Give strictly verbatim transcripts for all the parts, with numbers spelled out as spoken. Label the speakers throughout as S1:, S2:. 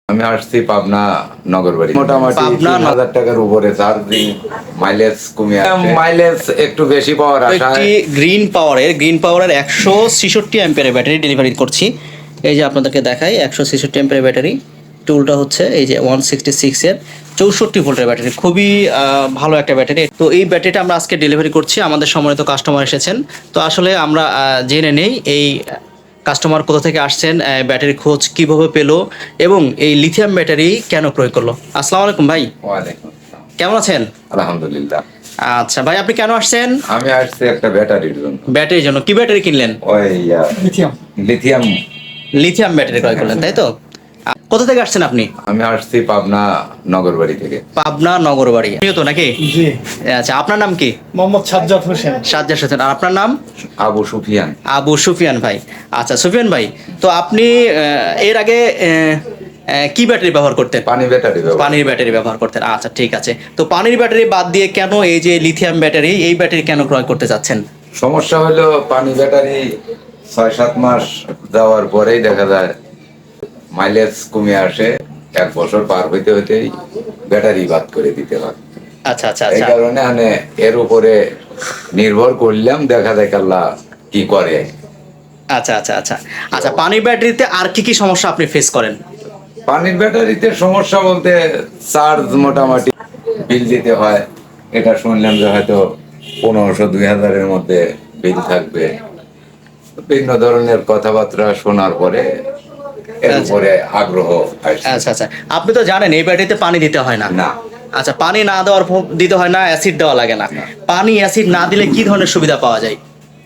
S1: আমি আসছি পাবনা নগরবাড়ি, মোটামুটি তিন হাজার টাকার উপরে চার্জিং, মাইলেজ কমে আসে, মাইলেজ একটু বেশি পাওয়ার আশায়
S2: গ্রিন পাওয়ারের গ্রিন পাওয়ারের একশো ছেষট্টি অ্যাম্পিয়ারের ব্যাটারি ডেলিভারি করছি। এই যে আপনাদেরকে দেখাই একশো ছেষট্টি অ্যাম্পিয়ারের ব্যাটারি, টুলটা হচ্ছে এই যে ওয়ান সিক্সটি সিক্স এর চৌষট্টি ভোল্টের ব্যাটারি, খুবই ভালো একটা ব্যাটারি। তো এই ব্যাটারিটা আমরা আজকে ডেলিভারি করছি, আমাদের সম্মানিত কাস্টমার এসেছেন। তো আসলে আমরা জেনে নেই এই কাস্টমার কোথা থেকে আসছেন, ব্যাটারির খোঁজ কিভাবে পেলো এবং এই লিথিয়াম ব্যাটারি কেন প্রয়োগ করলো। আসসালামু আলাইকুম ভাই।
S1: ওয়ালাইকুম আসসালাম।
S2: কেমন আছেন?
S1: আলহামদুলিল্লাহ।
S2: আচ্ছা ভাই, আপনি কেন আসছেন?
S1: আমি আসছি একটা ব্যাটারির জন্য।
S2: ব্যাটারির জন্য? কি ব্যাটারি কিনলেন?
S1: ওই লিথিয়াম লিথিয়াম
S2: লিথিয়াম ব্যাটারি ক্রয় করলেন, তাই তো? কোথা থেকে আসছেন আপনি?
S1: আমি আসছি পাবনা নগরবাড়ি থেকে।
S2: পাবনা নগরবাড়ি তো নাকি?
S3: জি।
S2: আচ্ছা, আপনার নাম কি?
S3: মোহাম্মদ সাজ্জাদ হোসেন।
S2: সাজ্জাদ হোসেন। আর আপনার নাম?
S1: আবু সুফিয়ান।
S2: আবু সুফিয়ান ভাই। আচ্ছা সুফিয়ান ভাই, তো আপনি আহ, এর আগে আহ, আহ, কি ব্যাটারি ব্যবহার করতেন?
S1: পানি ব্যাটারি ব্যবহার।
S2: পানির ব্যাটারি ব্যবহার করতেন। আচ্ছা ঠিক আছে। তো পানির ব্যাটারি বাদ দিয়ে কেন এই যে লিথিয়াম ব্যাটারি, এই ব্যাটারি কেন ক্রয় করতে যাচ্ছেন?
S1: সমস্যা হলো পানি ব্যাটারি ছয় সাত মাস যাওয়ার পরেই দেখা যায় মাইলেজ কমে আসে, এক বছর পার হইতে হইতেই ব্যাটারি বাদ করে দিতে হয়।
S2: আচ্ছা আচ্ছা
S1: এই
S2: আচ্ছা
S1: কারণে মানে এর উপরে নির্ভর করলাম, দেখা যায় আল্লাহ কি করে।
S2: আচ্ছা আচ্ছা আচ্ছা আচ্ছা পানির ব্যাটারিতে আর কি কি সমস্যা আপনি ফেস করেন?
S1: পানির ব্যাটারিতে সমস্যা বলতে চার্জ মোটামুটি বিল দিতে হয়, এটা শুনলাম যে হয়তো পনেরোশো দুই হাজারের মধ্যে বিল থাকবে। বিভিন্ন ধরনের কথাবার্তা শোনার পরে এর উপরে আগ্রহ আসছে।
S2: আচ্ছা আচ্ছা আপনি তো জানেন এই ব্যাটারিতে পানি দিতে হয় না।
S1: না।
S2: আচ্ছা, পানি না দেওয়ার প- দিতে হয় না, অ্যাসিড দেওয়া লাগে না। পানি অ্যাসিড না দিলে কি ধরনের সুবিধা পাওয়া যায়?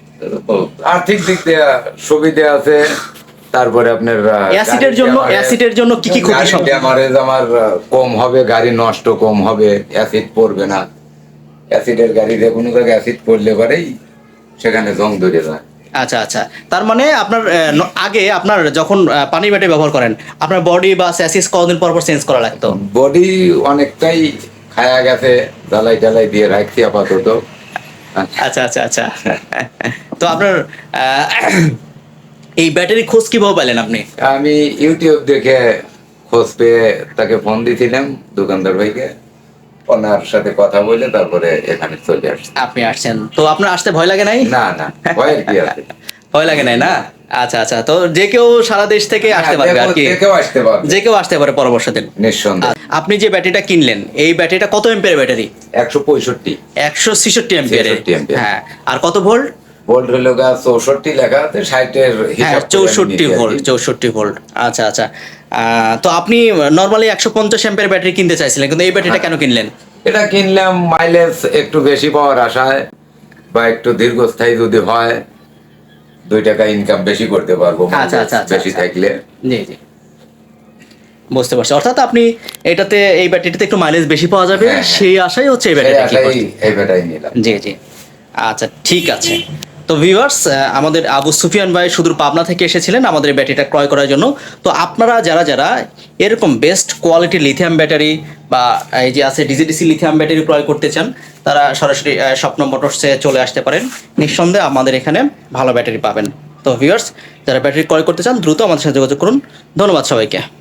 S1: আর্থিক দিক দিয়ে সুবিধা আছে, তারপরে আপনার
S2: অ্যাসিডের জন্য অ্যাসিডের জন্য কি কি ক্ষতি সব?
S1: ড্যামারেজ আমার কম হবে, গাড়ি নষ্ট কম হবে, অ্যাসিড পড়বে না। অ্যাসিডের গাড়িতে কোনো জায়গায় অ্যাসিড পড়লে পরেই সেখানে জং ধরে যায়।
S2: আচ্ছা আচ্ছা তার মানে আপনার আহ, ন- আগে আপনার যখন আহ, পানির ব্যাটারি ব্যবহার করেন, আপনার বডি বা স্যাসিস কতদিন পর পর চেঞ্জ করা লাগতো?
S1: বডি অনেকটাই খায়া গেছে, জ্বালাই জ্বালাই দিয়ে রাখছি আপাতত।
S2: আচ্ছা আচ্ছা আচ্ছা তো আপনার আহ, এই ব্যাটারি খোঁজ কিভাবে পেলেন আপনি?
S1: আমি ইউটিউব দেখে খোঁজ পেয়ে তাকে ফোন দিয়েছিলাম, দোকানদার ভাইকে। ওনার সাথে কথা বলে তারপরে এখানে চলে আসছি।
S2: আপনি আসছেন, তো আপনার আসতে ভয় লাগে নাই?
S1: না না, ভয়ের কি আছে?
S2: ভয় লাগে নাই না? আচ্ছা আচ্ছা তো যে কেউ সারা দেশ থেকে আসতে পারবে আর কি?
S1: যে কেউ আসতে পারবে,
S2: যে কেউ আসতে পারে পরামর্শ দেন।
S1: নিঃসন্দেহে।
S2: আপনি যে ব্যাটারিটা কিনলেন, এই ব্যাটারিটা কত এম্পিয়ার ব্যাটারি?
S1: একশো পঁয়ষট্টি
S2: একশো ছেষট্টি এম্পিয়ারের।
S1: ছেষট্টি অ্যাম্পিয়ার।
S2: হ্যাঁ, আর কত ভোল্ট?
S1: ভোল্ট হলো গা চৌষট্টি লেখা আছে, ষাটের
S2: হ্যাঁ,
S1: হিসাব করে
S2: চৌষট্টি
S1: আমি
S2: ভোল্ট,
S1: নিয়েছি।
S2: চৌষট্টি ভোল্ট। আচ্ছা আচ্ছা আহ, তো আপনি নর্মালি একশো পঞ্চাশ এম্পিয়ার ব্যাটারি কিনতে চাইছিলেন, কিন্তু এই ব্যাটারিটা কেন কিনলেন?
S1: এটা কিনলাম মাইলেজ একটু বেশি পাওয়ার আশায়, বা একটু দীর্ঘস্থায়ী যদি হয়, দুই টাকা ইনকাম বেশি করতে পারবো
S2: আচ্ছা,
S1: mileage
S2: আচ্ছা, আচ্ছা,
S1: বেশি
S2: আচ্ছা।
S1: থাকলে।
S2: জি জি বুঝতে পারছি। অর্থাৎ আপনি এটাতে এই ব্যাটারিটাতে একটু মাইলেজ বেশি পাওয়া যাবে,
S1: হ্যাঁ, হ্যাঁ।
S2: সেই আশাই হচ্ছে এই
S1: সেই
S2: ব্যাটারিটা কি
S1: আশায়
S2: করছেন।
S1: এই ব্যাটারি নিলাম।
S2: জি জি আচ্ছা ঠিক আছে। তো ভিউয়ার্স, আমাদের আবু সুফিয়ান ভাই সুদূর পাবনা থেকে এসেছিলেন আমাদের এই ব্যাটারিটা ক্রয় করার জন্য। তো আপনারা যারা যারা এরকম বেস্ট কোয়ালিটির লিথিয়াম ব্যাটারি বা এই যে আছে ডিজিডিসি লিথিয়াম ব্যাটারি ক্রয় করতে চান, তারা সরাসরি আহ, স্বপ্ন মোটরসে চলে আসতে পারেন। নিঃসন্দেহে আমাদের এখানে ভালো ব্যাটারি পাবেন। তো ভিউয়ার্স, যারা ব্যাটারি ক্রয় করতে চান দ্রুত আমাদের সাথে যোগাযোগ করুন। ধন্যবাদ সবাইকে।